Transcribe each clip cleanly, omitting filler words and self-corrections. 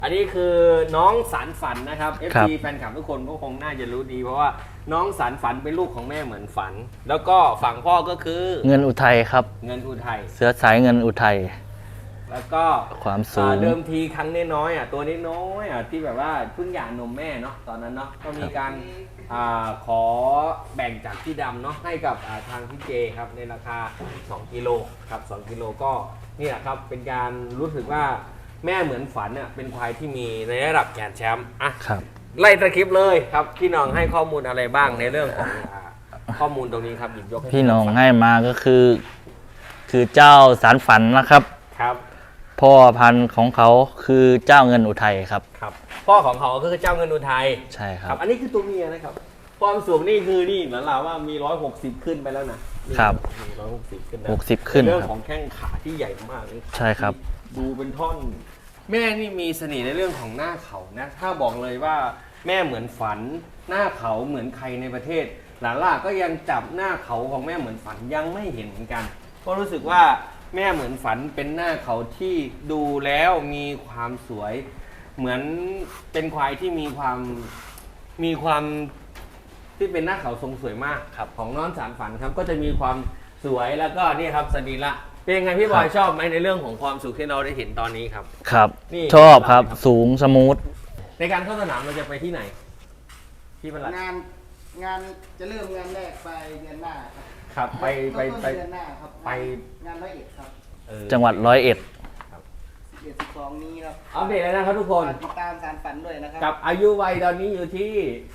อันนี้คือน้องสารฝันนะครับ FC แฟนคลับทุกคนก็คงน่าจะรู้ดีเพราะว่าน้องสารฝันเป็นลูกของแม่เหมือนฝัน แล้วก็ฝั่งพ่อก็คือเงินอุทัยครับเงินอุทัยเสื้อสายเงินอุทัยแล้วก็ความสูงเดิมทีครั้งน้อยตัวน้อยที่แบบว่าเพิ่งหย่านมแม่เนาะตอนนั้นเนาะก็มีการขอแบ่งจากพี่ดำเนาะให้กับทางพี่เจครับในราคา2กิโลครับ2กิโลก็นี่แหละครับเป็นการรู้สึกว่าแม่เหมือนฝันเนี่ยเป็นควายที่มีในระดับแกรนด์แชมป์อ่ะไล่ตะคลิปเลยครับพี่น้องให้ข้อมูลอะไรบ้างในเรื่องของข้อมูลตรงนี้ครับหยิบยกพี่น้องให้มาก็คือเจ้าสารฝันนะครับครับพ่อพันธุ์ของเขาคือเจ้าเงินอุทัยครับครับพ่อของเขาก็คือเจ้าเงินอุทัยใช่ครับอันนี้คือตัวเมียนะครับความสูงนี่คือนี่เหมือนเราว่ามี160ขึ้นไปแล้วนะครับมี160ขึ้นนะ 60ขึ้นเรื่องของแข้งขาที่ใหญ่มากใช่ครับดูเป็นท่อนแม่นี่มีเสน่ห์ในเรื่องของหน้าเขานะถ้าบอกเลยว่าแม่เหมือนฝันหน้าเขาเหมือนใครในประเทศหลานล่าก็ยังจับหน้าเขาของแม่เหมือนฝันยังไม่เห็นเหมือนกันเพราะรู้สึกว่าแม่เหมือนฝันเป็นหน้าเขาที่ดูแล้วมีความสวยเหมือนเป็นควายที่มีความที่เป็นหน้าเขาทรงสวยมากครับของน้องสารฝันครับก็จะมีความสวยแล้วก็นี่ครับสรีระเป็นยังไงพี่บอยชอบไหมในเรื่องของความสุขที่เราได้เห็นตอนนี้ครับครับชอบครับสูงสมูทในการเข้าสนามเราจะไปที่ไหนที่ประหลัดงานจะเริ่มงานแรกไปเดือนหน้าครับไปเดือนหน้าครับไปงาน101ครับจังหวัด101 ครับ12นี้ครับอัปเดตเลยนะครับทุกคนติดตามสารฝันด้วยนะครับกับอายุวัยตอนนี้อยู่ที่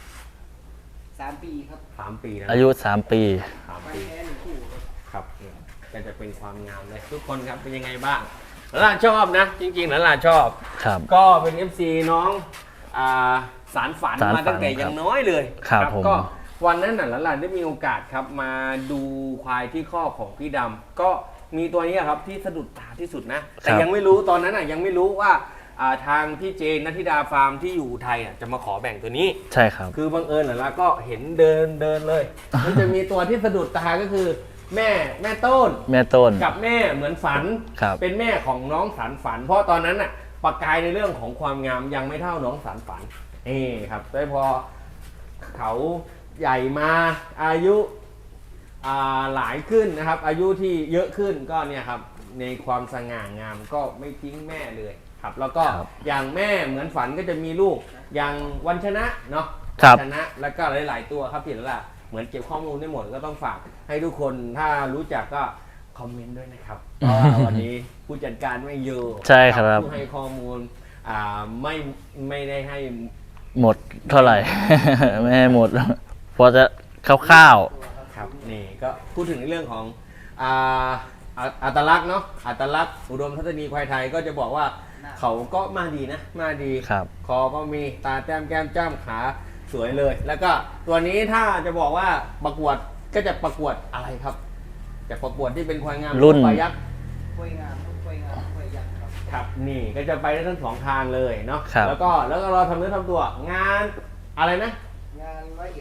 3 ปีครับ 3 ปีนะอายุ3 ปี 3 ปีแค่1 คู่ครับก็จะเป็นความงามเลยทุกคนครับเป็นยังไงบ้างหลานชอบนะจริงๆหลานชอบก็เป็น FC น้องสารฝันมาตั้งแต่ยังน้อยเลยครับก็วันนั้นหลานได้มีโอกาสครับมาดูควายที่ข้อของพี่ดำก็มีตัวนี้ครับที่สะดุดตาที่สุดนะแต่ยังไม่รู้ตอนนั้นยังไม่รู้ว่าทางพี่เจนนัทธิดาฟาร์มที่อยู่ไทยจะมาขอแบ่งตัวนี้ใช่ครับคือบังเอิญแล้วก็เห็นเดินเลยมันจะมีตัวที่สะดุดตาก็คือแม่ต้นกับแม่เหมือนฝันเป็นแม่ของน้องสารฝันเพราะตอนนั้นประกายในเรื่องของความงามยังไม่เท่าน้องสารฝันครับแต่พอเขาใหญ่มาอายุหลายขึ้นนะครับอายุที่เยอะขึ้นก็เนี่ยครับในความสง่างามก็ไม่ทิ้งแม่เลยครับแล้วก็อย่างแม่เหมือนฝันก็จะมีลูกอย่างวันชนะเนาะชนะแล้วก็หลายๆตัวครับพี่ละเหมือนเก็บข้อมูลได้หมดก็ต้องฝากให้ทุกคนถ้ารู้จักก็คอมเมนต์ด้วยนะครับเพราะว่าวันนี้ผู้จัดการไม่อยู่ใช่ครับผู้ให้ข้อมูลไม่ได้ให้หมดเท่าไหร่ ไม่ให้หมดพอจะคร่าวๆครับนี่ก็พูดถึงในเรื่องของอัตลักษณ์เนาะอัตลักษณ์อุดมทัศนีควายไทยก็จะบอกว่าเขาก็มาดีนะมาดีคอก็มีตาแต้มแก้มจ้ำขาสวยเลยแล้วก็ตัวนี้ถ้าจะบอกว่าประกวดก็จะประกวดอะไรครับจะประกวดที่เป็นควายงามรุ่นควายยักษ์ควายงามควายยักษ์ครับนี่ก็จะไปได้ทั้งสองทางเลยเนาะแล้วก็เราทำเนื้อทำตัวงานอะไรนะงาน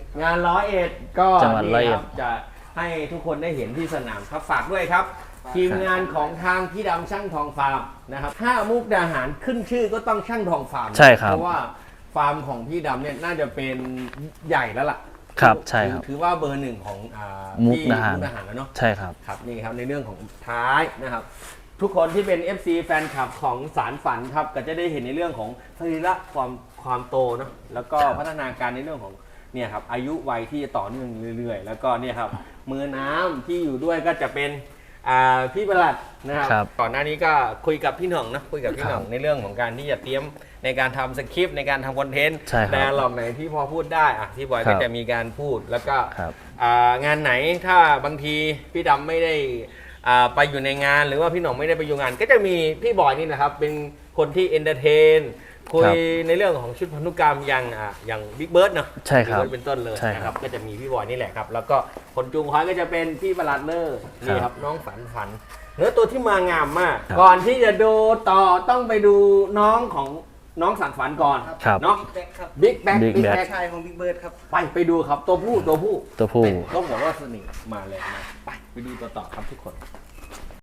101ก็นี่ครับจะให้ทุกคนได้เห็นที่สนามครับฝากด้วยครับทีมงานของทางพี่ดำช่างทองฟาร์มนะครับถ้ามุกดาหารขึ้นชื่อก็ต้องช่างทองฟาร์มใช่ครับเพราะว่าฟาร์มของพี่ดำเนี่ยน่าจะเป็นใหญ่แล้วล่ะครับใช่ครับถือว่าเบอร์1ของมุกดาหารแล้วเนาะใช่ครับครับนี่ครับในเรื่องของท้ายนะครับทุกคนที่เป็น FC แฟนคลับของสารฝันครับก็จะได้เห็นในเรื่องของสรีระความโตเนาะแล้วก็พัฒนาการในเรื่องของเนี่ยครับอายุวัยที่จะต่อเนื่องเรื่อยๆแล้วก็เนี่ยครับมือน้ำที่อยู่ด้วยก็จะเป็นพี่ประหลัดนะครับก่อนหน้านี้ก็คุยกับพี่หน่องนะคุยกับพี่หน่องในเรื่องของการที่จะเตรียมในการทำสคริปต์ในการทำคอนเทนต์แต่หลอกไหนที่พอพูดได้พี่บอยก็จะมีการพูดแล้วก็งานไหนถ้าบางทีพี่ดำไม่ได้ไปอยู่ในงานหรือว่าพี่หน่องไม่ได้ไปอยู่งานก็จะมีพี่บอยนี่นะครับเป็นคนที่เอนเตอร์เทนคุยในเรื่องของชุดพันธุกรรมอย่างบิ๊กเบิร์ดเนาะใช่ครับเป็นต้นเลยนะครับก็จะมีพี่บอยนี่แหละครับแล้วก็คนจูงควายก็จะเป็นพี่ประหลัดเลอร์นี่ครับน้องฝันเนื้อตัวที่มางามมากก่อนที่จะดูต่อต้องไปดูน้องของน้องสารฝันก่อนเนาะบิ๊กแบ็คชายของบิ๊กเบิร์ดครับไปดูครับตัวผู้ต้องบอกว่าสนิทมาเลยไปดูต่อครับทุกคน